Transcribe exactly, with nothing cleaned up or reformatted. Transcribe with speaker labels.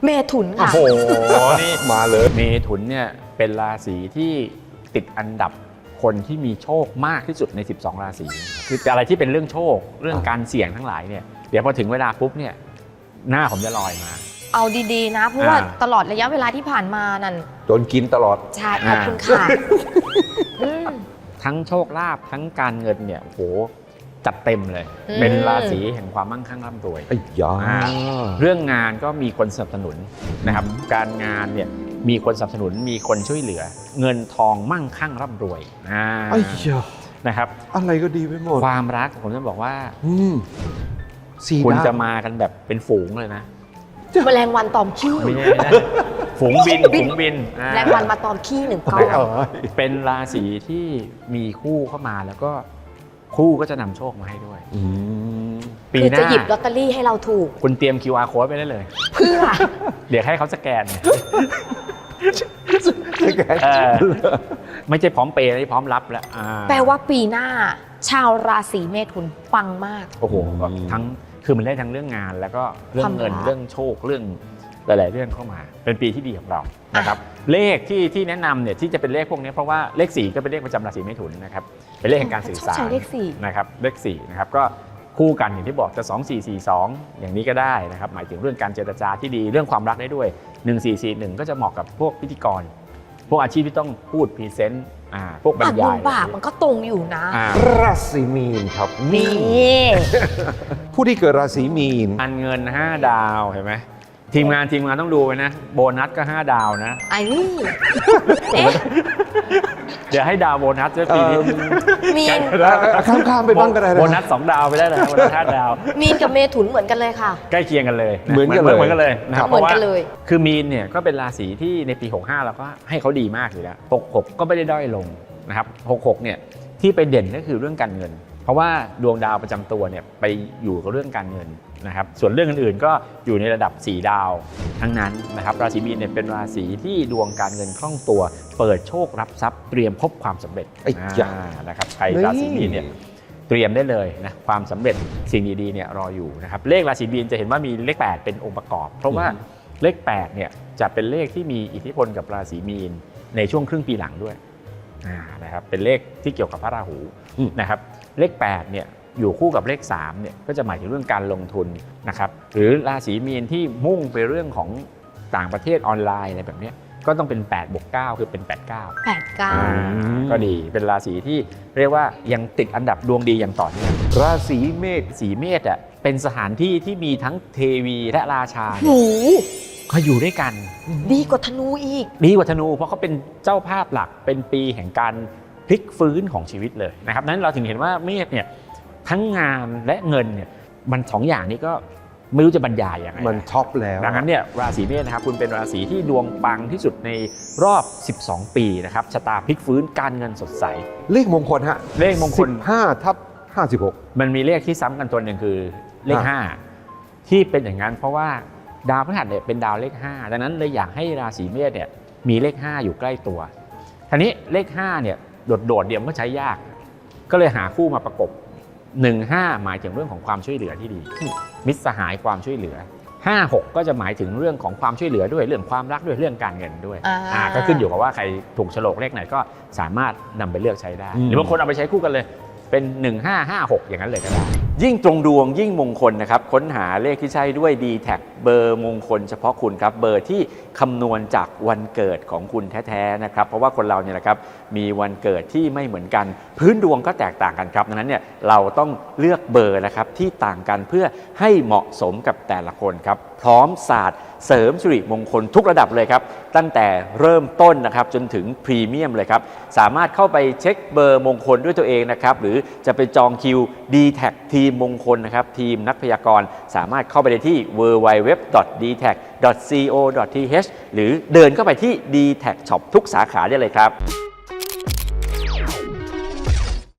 Speaker 1: เมถุนค่ะ
Speaker 2: โอ้โหนี่
Speaker 3: มาเลย
Speaker 2: เมถุนเนี่ยเป็นราศีที่ติดอันดับคนที่มีโชคมากที่สุดในสิบสองราศีคืออะไรที่เป็นเรื่องโชคเรื่องการเสี่ยงทั้งหลายเนี่ยเดี๋ยวพอถึงเวลาปุ๊บเนี่ยหน้าผมจะลอยมา
Speaker 1: เอาดีๆนะเพราะว่าตลอดระยะเวลาที่ผ่านมานั่น
Speaker 3: โดนกินตลอด
Speaker 1: ใช่ขอบคุณค่ะ
Speaker 2: ทั้งโชคลาภทั้งการเงินเนี่ยโอ้โหจัดเต็มเลยเป็นราศีแห่งความมั่งคั่งร่ำรวย
Speaker 3: ไอ้ยา
Speaker 2: เรื่องงานก็มีคนสนับสนุนนะครับการงานเนี่ยมีคนสนับสนุนมีคนช่วยเหลือเงินทองมั่งคั่งร่ำรวย
Speaker 3: ไอ้ยา
Speaker 2: นะครับ
Speaker 3: อะไรก็ดีไปหมด
Speaker 2: ความรักผมจะบอกว่า
Speaker 3: สี่
Speaker 2: คุณจะมากันแบบเป็นฝูงเลยนะ
Speaker 1: แมลงวันตอมขี้
Speaker 2: ไม่ใช่นะฝูงบินฝูงบิน
Speaker 1: แมลงวันมาตอมขี้หนึ่งก้อน
Speaker 2: เป็นราศีที่มีคู่เข้ามาแล้วก็คู่ก็จะนำโชคมาให้ด้วย
Speaker 1: ปีหน้าจะหยิบลอตเตอรี่ให้เราถูก
Speaker 2: คุณเตรียม คิว อาร์ Code ไปได้เลย
Speaker 1: เพื่อ
Speaker 2: เดี๋ยวให้เขาสแกนไม่ใช่พร้อมเปย์ไม่พร้อมรับแล้ว
Speaker 1: แปลว่าปีหน้าชาวราศีเมถุนปังมาก
Speaker 2: โอ้โหทั้งคือมันได้ทั้งเรื่องงานแล้วก็เรื่องเงินเรื่องโชคเรื่องหลายๆเรื่องเข้ามาเป็นปีที่ดีของเรานะครับเลขที่ที่แนะนำเนี่ยที่จะเป็นเลขพวกนี้เพราะว่าเลขสี่ก็เป็นเลขประจำราศีเมถุนนะครับเป็นเลขแห่งการสื่อสารนะครับเลขสี่นะครับก็คู่กันอย่างที่บอกจะสอง สี่ สี่ สองอย่างนี้ก็ได้นะครับหมายถึงเรื่องการเจรจาที่ดีเรื่องความรักได้ด้วยหนึ่ง สี่ สี่ หนึ่งก็จะเหมาะกับพวกพิธีกรพวกอาชีพที่ต้องพูดพรีเซนต์พวกบรรยาย
Speaker 1: ปากมันก็ตรงอยู่นะ
Speaker 3: ราศีมีนครับ
Speaker 1: นี่
Speaker 3: ผู้ที่เกิดราศีมีน
Speaker 2: การเงินห้าดาวเห็นไหมทีมงานทีมงานต้องดูไปนะโบนัสก็ห้าดาวนะ
Speaker 1: ไอ้นี่
Speaker 2: เดี๋ยวให้ดาวโบนัสด้วยปีนี้
Speaker 1: มีน
Speaker 3: ข้ามๆไปบ้างก็ได้
Speaker 2: โบนัสสองดาวไปได้เลยโบนัสห้าดาว
Speaker 1: มีนกับเมถุนเหมือนกันเลยค่ะ
Speaker 2: ใกล้เคียงกันเลย
Speaker 3: เหมือนกันเลย
Speaker 2: เหมือนกันเลยนะครับ
Speaker 1: เหมือนกันเลย
Speaker 2: คือมีนเนี่ยก็เป็นราศีที่ในปีหกห้าเราก็ให้เขาดีมากอยู่แล้วหกหกก็ไม่ได้ด้อยลงนะครับหกหกเนี่ยที่ไปเด่นก็คือเรื่องการเงินเพราะว่าดวงดาวประจำตัวเนี่ยไปอยู่กับเรื่องการเงินนะครับส่วนเรื่องอื่นๆก็อยู่ในระดับสี่ดาวทั้งนั้นนะครับราศีมีนเนี่ยเป็นราศีที่ดวงการเงินคล่องตัวเปิดโชครับทรัพย์เตรียมพบความสำเร็จนะครับใครราศีมีนเนี่ยเตรียมได้เลยนะความสำเร็จสิ่งดีๆเนี่ยรออยู่นะครับเลขราศีมีนจะเห็นว่ามีเลขแปดเป็นองค์ประกอบเพราะว่าเลขแปดเนี่ยจะเป็นเลขที่มีอิทธิพลกับราศีมีนในช่วงครึ่งปีหลังด้วยนะครับเป็นเลขที่เกี่ยวกับพระราหูนะครับเลขแปดเนี่ยอยู่คู่กับเลขสามเนี่ยก็จะหมายถึงเรื่องการลงทุนนะครับหรือราศีมีนที่มุ่งไปเรื่องของต่างประเทศออนไลน์อะไรแบบนี้ก็ต้องเป็นแปดบวกเก้าคือเป็นแปด เก้า
Speaker 1: แปด เก้า
Speaker 2: ก็ดีเป็นราศีที่เรียกว่ายังติดอันดับดวงดีอย่างต่อเนื่อง
Speaker 3: ราศีเมษ
Speaker 2: สีเมษอ่ะเป็นสถานที่ที่มีทั้งเทวีและราชา
Speaker 1: โอ้
Speaker 2: เขาอยู่ด้วยกัน
Speaker 1: ดีกว่าธนูอีก
Speaker 2: ดีกว่าธนูเพราะเขาเป็นเจ้าภาพหลักเป็นปีแห่งการพลิกฟื้นของชีวิตเลยนะครับนั้นเราถึงเห็นว่าเมษเนี่ยทั้งงานและเงินเนี่ยมันสองอย่างนี้ก็ไม่รู้จะบรรยายยังไง
Speaker 3: มันท็อปแล้ว
Speaker 2: ดังนั้นเนี่ยราศีเมษนะครับคุณเป็นราศีที่ดวงปังที่สุดในรอบสิบสองปีนะครับชะตาพลิกฟื้นการเงินสดใส
Speaker 3: เลขมงคลฮะ
Speaker 2: เลขมงคล
Speaker 3: สิบห้าทับห้าสิบหก
Speaker 2: มันมีเลขที่ซ้ำกันตัวหนึ่งคือเลขห้าที่เป็นอย่างนั้นเพราะว่าดาวพฤหัสเนี่ยเป็นดาวเลขห้าดังนั้นเลยอยากให้ราศีเมษเนี่ยมีเลขห้าอยู่ใกล้ตัวทีนี้เลขห้าเนี่ยโดดๆเดี่ยวก็ใช้ยากก็เลยหาคู่มาประกบหนึ่ง ห้าหมายถึงเรื่องของความช่วยเหลือที่ดีมิตรสหายความช่วยเหลือห้า หกก็จะหมายถึงเรื่องของความช่วยเหลือด้วยเรื่องความรักด้วยเรื่องการเงินด้วยอ่าก็ขึ้นอยู่กับว่าใครถูกโฉลกเลขไหนก็สามารถนำไปเลือกใช้ได้หรือบางคนเอาไปใช้คู่กันเลยเป็นหนึ่ง ห้า ห้า หกอย่างนั้นเลยก็ได้ยิ่งตรงดวงยิ่งมงคลนะครับค้นหาเลขที่ใช่ด้วย ดี แท็ก เบอร์มงคลเฉพาะคุณครับเบอร์ที่คำนวณจากวันเกิดของคุณแท้ๆนะครับเพราะว่าคนเราเนี่ยนะครับมีวันเกิดที่ไม่เหมือนกันพื้นดวงก็แตกต่างกันครับดังนั้นเนี่ยเราต้องเลือกเบอร์นะครับที่ต่างกันเพื่อให้เหมาะสมกับแต่ละคนครับพร้อมศาสตร์เสริมสิริมงคลทุกระดับเลยครับตั้งแต่เริ่มต้นนะครับจนถึงพรีเมียมเลยครับสามารถเข้าไปเช็คเบอร์มงคลด้วยตัวเองนะครับหรือจะไปจองคิว ดี แท็ก ทีมมงคลนะครับทีมนักพยากรณ์สามารถเข้าไปได้ที่ ดับเบิลยู ดับเบิลยู ดับเบิลยู ดอท ดี แท็ก ดอท ซี โอ ดอท ที เอช หรือเดินเข้าไปที่ ดี แท็ก ช็อป ทุกสาขาได้เลยครับ